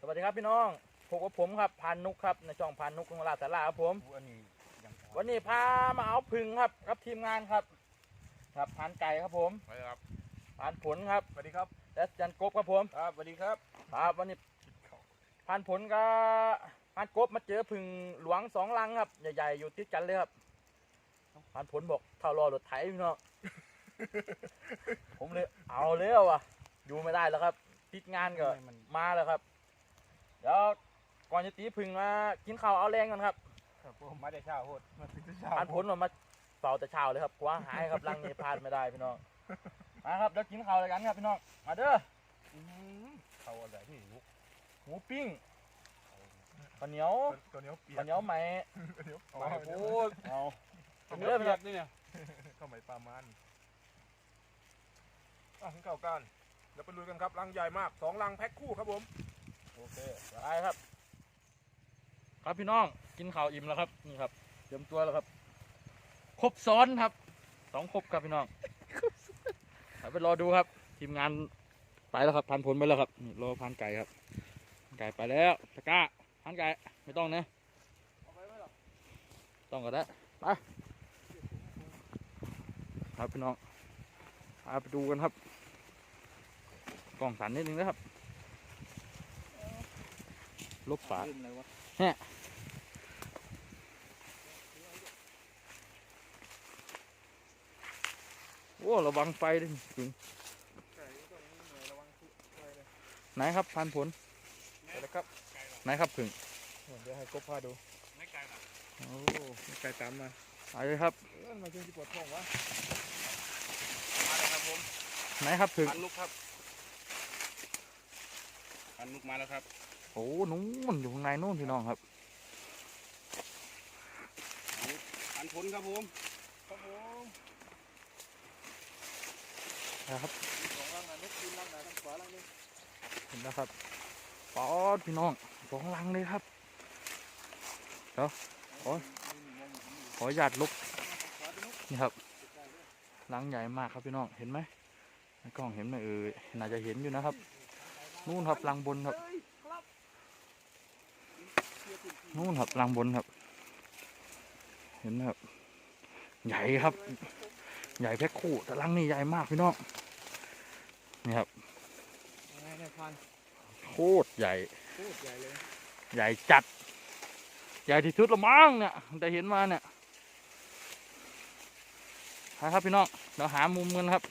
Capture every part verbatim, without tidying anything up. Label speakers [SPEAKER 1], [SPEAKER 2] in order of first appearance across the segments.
[SPEAKER 1] สวัสดีครับพี่น้องพบกับผมครับพานนุกครับในช่องพานนุกของลาสาราครับผมวันนี้พามาเอาพึ่งครับกับทีมงานครับครับพานไก่ครับผมสวัสดีครับพานผลครับสวัสดีครับและจันกบครับผมครับสวัสดีครับครับวันนี้พานผลกับพานกบมาเจอพึ่งหลวงสองลังครับใหญ่ๆอยู่ติดกันเลยครับพานผลบอกเท่ารอรถไถพี่น้อง ผมเลยเอาเลยว่ะอยู่ไม่ได้แล้วครับติดงานก็มาแล้วครับเดี๋ยวก่อนจะตีพึ่งมากินข้าวเอาแรงกันครับ
[SPEAKER 2] ครับผมมาแต่เช้าโหดมาถึงแต่เช้า
[SPEAKER 1] พานผลออกมาเฝ้าแต่เช้าเลยครับกว่าหายครับลังนี้พลาดไม่ได้พี่น้องมาครับเดี๋ยวกินข้าวเลยกันครับพี่น้องมาเด้อข้าวอะไรพี่หมูปิ้งข้าวเหนียวข้าวเหนียวเปียกข้าวเหนียวไหมข้าวเหนียวโอ้โหเอาเด้อพี่น้องนี่เนี่ยข้าวไหมปลามันอ่ะกินข้าวกันเดี๋ยวไปลุยกันครับลังใหญ่มากสองลังแพ็คคู่ครับผมโอเคไปครับครับพี่น้องกินข้าวอิ่มแล้วครับนี่ครับเตรียมตัวแล้วครับครบซ้อนครับสองครบครับพี่น้องไปรอดูครับทีมงานไปแล้วครับพันผลไปแล้วครับนี่รอพันไก่ครับไก่ไปแล้วตะก้าพันไก่ไม่ต้องนะต้องก็ได้ไปครับพี่น้องไปดูกันครับกล่องสันนิดนึงนะครับลบฝาเนี่ยโอ้ระวังไฟด้วยถึงไหนครับพันผลนะครับไหนครับผึ่งเดี๋ยวให้กบพาดูไม่ไกลหรอโอ้ไม่ไกลตามมาไปเลยครับมาเชิญที่ปวดท้องวะมาเลยครับผมไหนครับผึ่งพันลูกครับพันลูกมาแล้วครับโอ้นู้นอยู่ข้างในนู้นพี่น้องครับพันผลครับผมครับผมนะครับสองลังนะนึกกินลังไหนทางขวาลังนึงเห็นแล้วครับปอดพี่น้องสองลังเลยครับเดี๋ยวขอขอหยาดลุกนี่ครับลังใหญ่มากครับพี่น้องเห็นไหมในกล้องเห็นไหมเอ่ยน่าจะเห็นอยู่นะครับนู่นครับลังบนครับนู่นครับลังบนครับเห็นไหมครับใหญ่ครับใหญ่แพ็คคู่แต่ลังนี่ใหญ่มากพี่น้องนี่ครับโคตรใหญ่ใหญ่จัดใหญ่ที่สุดละมั้งเนี่ยแต่เห็นมาเนี่ยครับพี่น้องเราหามุมกันครับ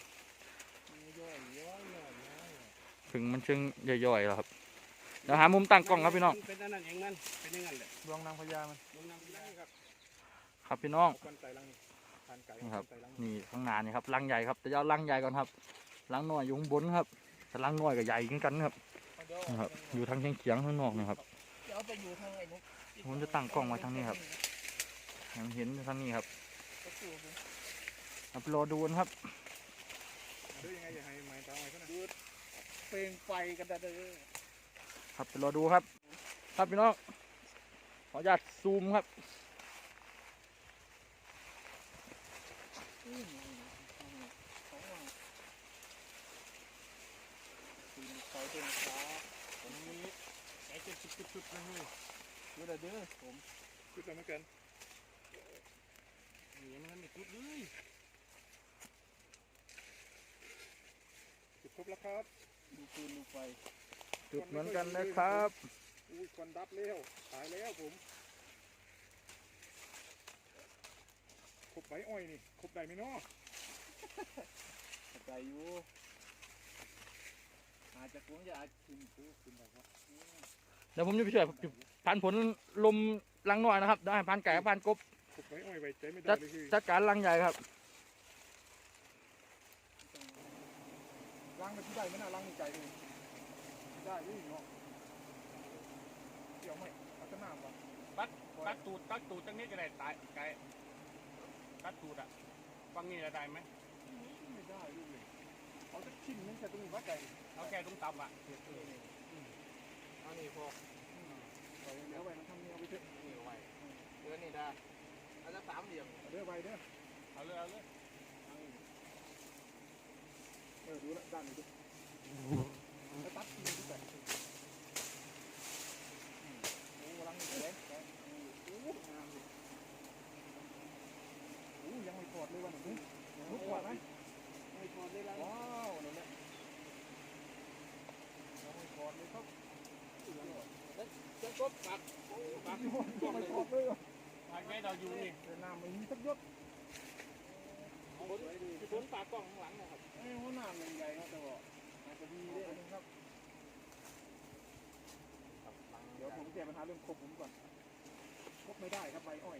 [SPEAKER 1] ถึงมันเชิงย่อยๆแล้วครับเราหามุมตั้งกล้องครับพี่น้องเป็นนั่นเองมันเป็นยังไงเลยดวงนางพญามันดวงนางพญาครับครับพี่น้องนี่ครับนี่ข้างหน้านี่ครับลังใหญ่ครับแต่เอาลังใหญ่ก่อนครับลังน้อยอยู่ข้างบนครับแต่ลังน้อยกับใหญ่กันครับนะครับอยู่ทางเฉียงๆข้างนอกนะครับผมจะตั้งกล้องไว้ทางนี้ครับเห็นทางนี้ครับไปรอดูกันครับดูยังไงจะให้ไม้ตาไว้ก็นะดูเพลงไฟกันได้เลยครับไปรอดูครับครับพี่น้องขออนุญาตซูมครับไฟเป็นฟ้าผมมีไฟเป็นชุดๆนะเฮ้ยดูแต่เด้อผมชุดอะไรเหมือนกันนี่มันไม่ชุดเลยจุดครบแล้วครับดูปืนดูไฟจุดเหมือนกันนะครับอุ้ยควันดับแล้วตายแล้วผมครบใบอ้อยนี่ครบได้ไหมเนาะครบได้อยู่อาจจะคงจะอาจกินปูกินแบบว่าเดี๋ยวผมจะไปช่วยพันผลลมลังหน่อยนะครับได้พันไก่พันกบจัดจัดการลังใหญ่ครับลังมันที่ได้ไม่น่าลังใหญ่เลยได้ด้วยเนาะเดี๋ยวไม่พัฒนาวะปัดปัดตูดปัดตูดตั้งนี้จะได้ตายไก่ปัดตูดอ่ะฟังนี่จะได้ไหมไม่ได้ด้วยเอาจะชิ้นนึงแค่ตรงนี้ว่าไก่เอาแค่ตรงต่ำอ่ะเอานี่พอเดี๋ยวไว้มันทำนี่เอาไปเถอะนี่ไว้เดือนนี่ได้เอาจะสามเหลี่ยมเดือไว้เด้อเอาเลยเอาเลยเออดูละด้านนี้ดูแล้วตัดที่นี่ด้วยก็ปักปักก็ไม่ออกเลยปักไงเราอยู่นี่เดินน้ำไม่มีสักยศฝนปากกล้องข้างหลังนะครับไอ้หัวหน้ามันใหญ่ครับแต่ว่าอาจจะดีด้วยนะครับเดี๋ยวผมแก้ปัญหาเรื่องครบผมก่อนครบไม่ได้ครับใบอ้อย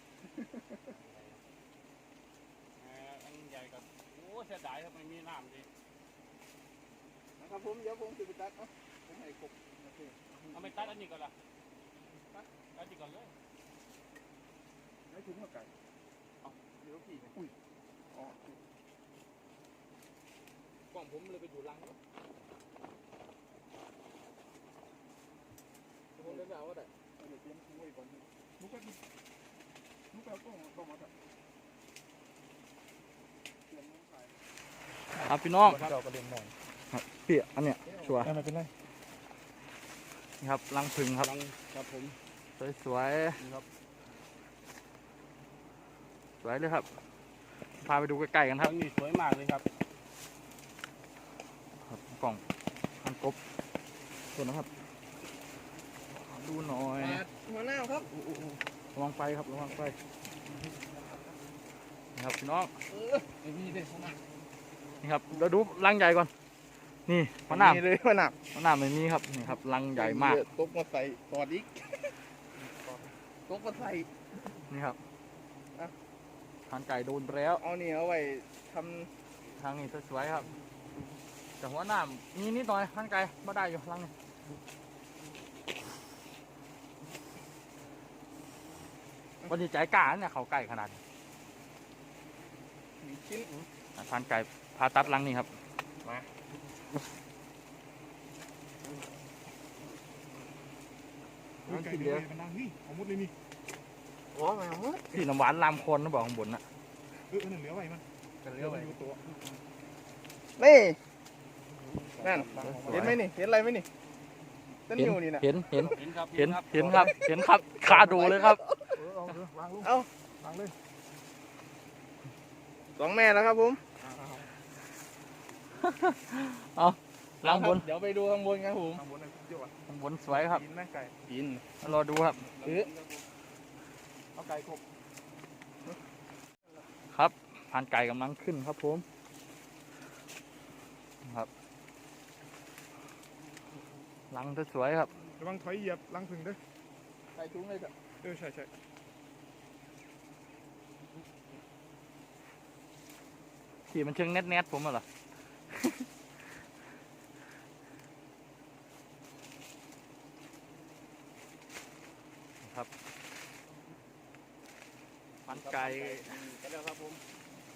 [SPEAKER 1] อันใหญ่กับโอ้เสียดายครับไม่มีน้ำดินะครับผมเดี๋ยวผมจะไปตัดอ่ะผมให้ครบโอเคเอาไปตัดอันนี้ก่อนละตัดตัดนี่ก่อนเลยให้ถุงหัวไก่เอาเดี๋ยวพี่อุ้ยอ๋อกล่องผมเลยไปอยู่รังแล้วผมเล่นเอาว่าได้เดี๋ยวเตรียมถุงไว้ก่อนนุ๊กก็นุ๊กเอากล่องกล่องมาครับเตรียมน้ำใส่ครับพี่น้องเราก็เล่นหน่อยพี่อันเนี้ยชัวร์ไม่เป็นไรนี่ครับรังผึ่งครับครับผมสวยๆครับสวยเลยครับพาไปดูใกล้ๆกันครับนี่สวยมากเลยครับกล่องอันกบตัวนะครับดูหน่อยหัวหน้าครับระวังไฟครับระวังไฟนี่ครับพี่น้องนี่ครับเราดูรังใหญ่ก่อนนี่หัวหน้าเลยหัวหน้าหัวหน้าไม่มีครับนี่ครับรังใหญ่มากตกมาใส่ตอดอีกตกมาใส่นี่ครับทานไก่โดนแล้วเอานี่เอาไว้ทำทางนี้สวยๆครับแต่หัวหน้ามีนิดหน่อยทานไก่ไม่ได้อยู่รังนี้วันนี้ใจกล้าเนี่ยเขาไก่ขนาดนี้ชิ้นทานไก่พาตัดรังนี้ครับมาไก่เดียวมันดังนี่เอาหมดเลยนี่โอ้มาหมดที่น้ำหวานลามคนนะบอกข้างบนน่ะเออนั่นเหลือไว้มันเหลือไว้ตัวนี่นั่นเห็นไหมนี่เห็นอะไรไหมนี่ต้นนิ้วนี่นะเห็นเห็นเห็นครับเห็นเห็นครับเห็นครับขาดูเลยครับเอาวางเลยสองแม่แล้วครับผมเอาข้างบนเดี๋ยวไปดูข้างบนครับผมข้างบนข้างบนสวยครับกินไหมไก่กินรอดูครับเออเอาไก่ครบครับพันไก่กำลังขึ้นครับผมครับรังสวยครับระวังถอยเหยียบรังผึ่งด้วยใส่ถุงเลยเถอะเออใช่ใช่ขี่มันเชิงแนทๆผมเหรอครับพันไก่กันแล้วครับผม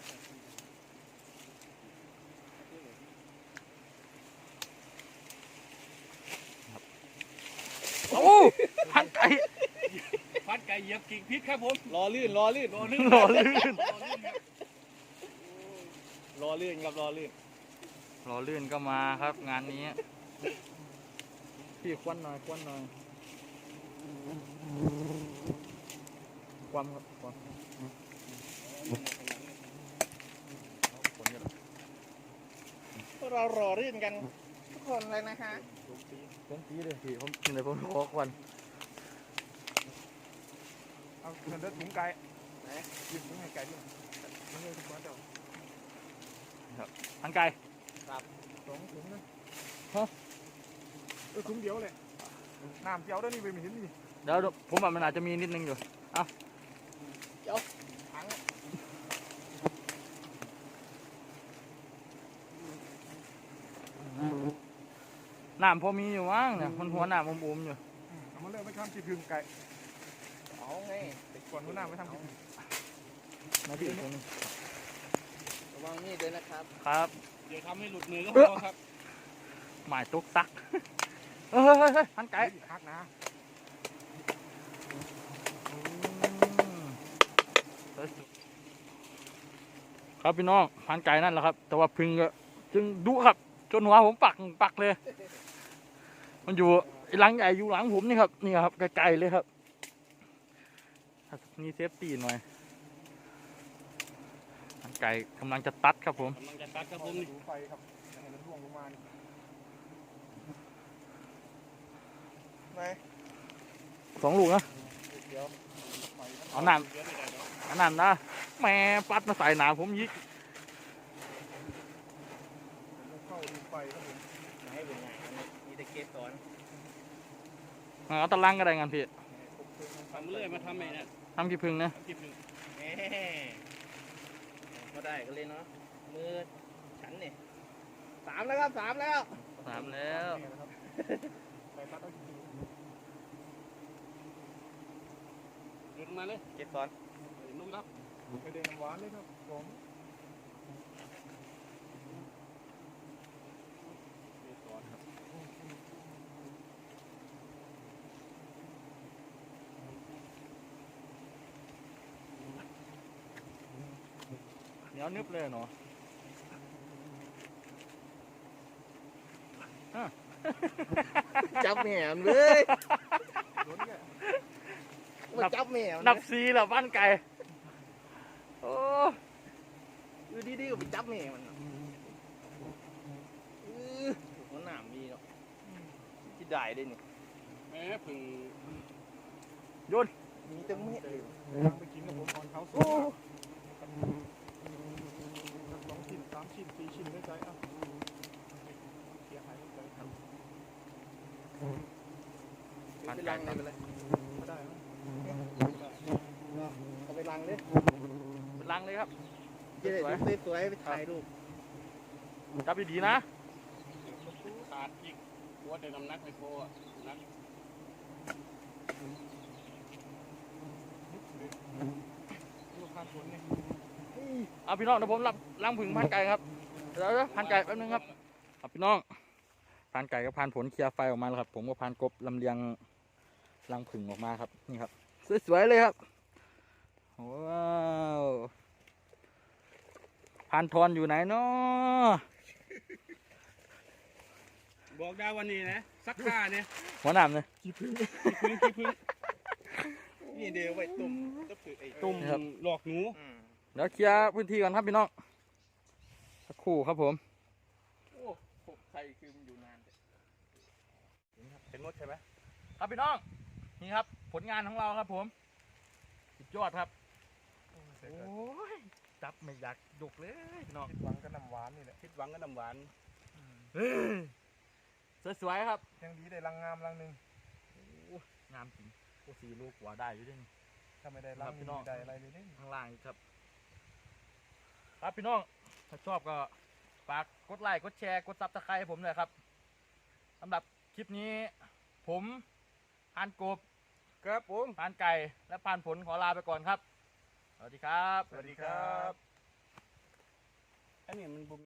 [SPEAKER 1] โอ้พันไก่พันไก่เหยียบกิ่งพิษครับผมรอลื่นรอลื่นรอลื่นรอลื่นรอลื่นครับรอลื่นรอลื่นก็มาครับงานนี้พี่ควันหน่อยควันหน่อยความครับความเรารอลื่นกันทุกคนเลยนะคะผมตีเลยพี่ผมกินเลยผมขอควันเอาเงินเดือดถุงไก่ไหนยืมถุงไก่ด้วยมันเลยถุงบ้านเจ้าครับอันไก่ครับสองถุงนะฮะเออถุงเดียวเลยน้ำเจียวด้วยนี่ไปไม่เห็นนี่เดี๋ยวผมว่ามันอาจจะมีนิดนึงอยู่เอาเจียวถังน้ำพอมีอยู่มั้งเนี่ยมันหัวน้ำมุมๆอยู่เอามาเลิกไปทำจีพึงไก่เอาไงติดก่อนหัวน้ำไปทำจีพึงมาพี่ตรงนี้ระวังนี่ด้วยนะครับครับเดี๋ยวทำให้หลุดมือก็พอครับหมายตุกซักเฮ้ยเฮ้ยเฮ้ยพันไก่ฮักนะครับพี่น้องพันไก่นั่นแหละครับแต่ว่าพึ่งก็จึงดุครับจนหัวผมปักปักเลยมันอยู่หลังใหญ่อยู่หลังผมนี่ครับนี่ครับไกลๆเลยครับนี่เซฟตี้หน่อยพันไก่กำลังจะตัดครับผมกำลังจะตัดครับผมดูไฟครับให้มันร่วงลงมาไหน
[SPEAKER 3] สองลูกนะ
[SPEAKER 1] เดี๋ยวใหม่
[SPEAKER 3] เอาน้ำ
[SPEAKER 1] เดี๋ยวได้เดี๋ยว
[SPEAKER 3] อันนั้นนะแม่ปัดมาใส่หนาผมยิก
[SPEAKER 1] เข้าดูไฟครับผม
[SPEAKER 2] ให้เป็นไงมีแต่เกสสอน
[SPEAKER 3] เอาตะลังก็ได้งานพี่
[SPEAKER 1] ทำเรื่อยมาทำไงเนี่ย
[SPEAKER 3] ทำกี่พึ่งนะ
[SPEAKER 1] คลิปหนึ่ง
[SPEAKER 2] แหมก็ได้ก็เลยเนาะมือฉันเนี่ยสามแล้วครับสามแล้ว
[SPEAKER 3] สามแล้ว
[SPEAKER 1] ไปตัดเอาจริงๆเดินมาเลย
[SPEAKER 2] เกสสอน
[SPEAKER 1] นุ่มครับไปเดินน้ำหวานเลยครับผมเดินก่อนครับ
[SPEAKER 3] เหนียวนึบเลยเนาะ
[SPEAKER 2] จับแหมมเลย
[SPEAKER 1] ล้นเนี่ย
[SPEAKER 2] มาจับแหมม
[SPEAKER 3] นับซีแล้วบ้านไก่โอ้
[SPEAKER 2] อยู่ดีๆก็ไปจับแหมมันเออหัวหนามมีเนาะที่ได้ได้นี่
[SPEAKER 1] แม่พึ่ง
[SPEAKER 2] มีตั้งเม็ดเลย
[SPEAKER 1] ทำไปกินกับผมตอนเขาสุดสองชิ้นสามชิ้นสี่ชิ้นได้ใจอ่ะเสียหายได้ใจครับ
[SPEAKER 2] ไปลังเลยไปเลย
[SPEAKER 1] ไม่ได้ไหม
[SPEAKER 2] เอาไปลังเลย
[SPEAKER 3] ลังเลยครับ
[SPEAKER 2] เจ๊สวยๆไปถ่ายรูป
[SPEAKER 3] จับดีๆนะ
[SPEAKER 1] ขาดอีกตัวแต่น้ำหนักไม่พออ่ะนักดูขาดผลเนี่ย
[SPEAKER 3] เอาพี่น้องเดี๋ยวผมรับล้างผึ่งพันไก่ครับเดี๋ยวๆพันไก่แป๊บนึงครับเอาพี่น้องพันไก่กับพันผลเคลียร์ไฟออกมาแล้วครับผมก็พันกบลำเลียงรังผึ่งออกมาครับนี่ครับสวยๆเลยครับว้าวพันทอนอยู่ไหนเนาะ
[SPEAKER 1] บอกได้วันนี้นะสักค่าเนี่ย
[SPEAKER 3] หัวหนามเลย
[SPEAKER 1] ขี้พึ่งขี้พึ่งขี้พึ่ง
[SPEAKER 2] นี่เดี๋ยวไว้ตุ่มก็ถือไอ้
[SPEAKER 1] ตุ่มหลอกหนู
[SPEAKER 3] เดี๋ยวเคลียร์พื้นที่ก่อนครับพี่น้องสักครู่ครับผม
[SPEAKER 2] โอ้ใครคือมันอยู่นาน
[SPEAKER 1] เป็นมดใช่ไหม
[SPEAKER 3] ครับพี่น้องนี่ครับผลงานของเราครับผมสุดยอดครับโอ้ยจับไม่อยากยกเลยพี่น้อง
[SPEAKER 1] หวังกับน้ำหวานนี่แหละ
[SPEAKER 2] คิดหวังก็น้ำหวาน
[SPEAKER 3] สวยๆครับ
[SPEAKER 1] ยังดีได้รังงามรังหนึ่ง
[SPEAKER 3] งามจริงโอ้สี่ลูกกว่าได้อยู่ด้วยนี่
[SPEAKER 1] ถ้าไม่ได้รัง
[SPEAKER 3] ครับพี่
[SPEAKER 1] นี่
[SPEAKER 3] น้อง
[SPEAKER 1] ไม่ได้อะไรเลยเนี่ย
[SPEAKER 3] ข้างล่างอีกครับ ครับพี่น้องถ้าชอบก็ฝากกดไลค์กดแชร์กดซับสไครต์ให้ผมหน่อยครับสำหรับคลิปนี้ผมพานกบ
[SPEAKER 2] ครับผม
[SPEAKER 3] พานไก่และพานผลขอลาไปก่อนครับ สวัสดีครับ
[SPEAKER 1] สวัสดีครับ
[SPEAKER 2] อันนี้มันบุ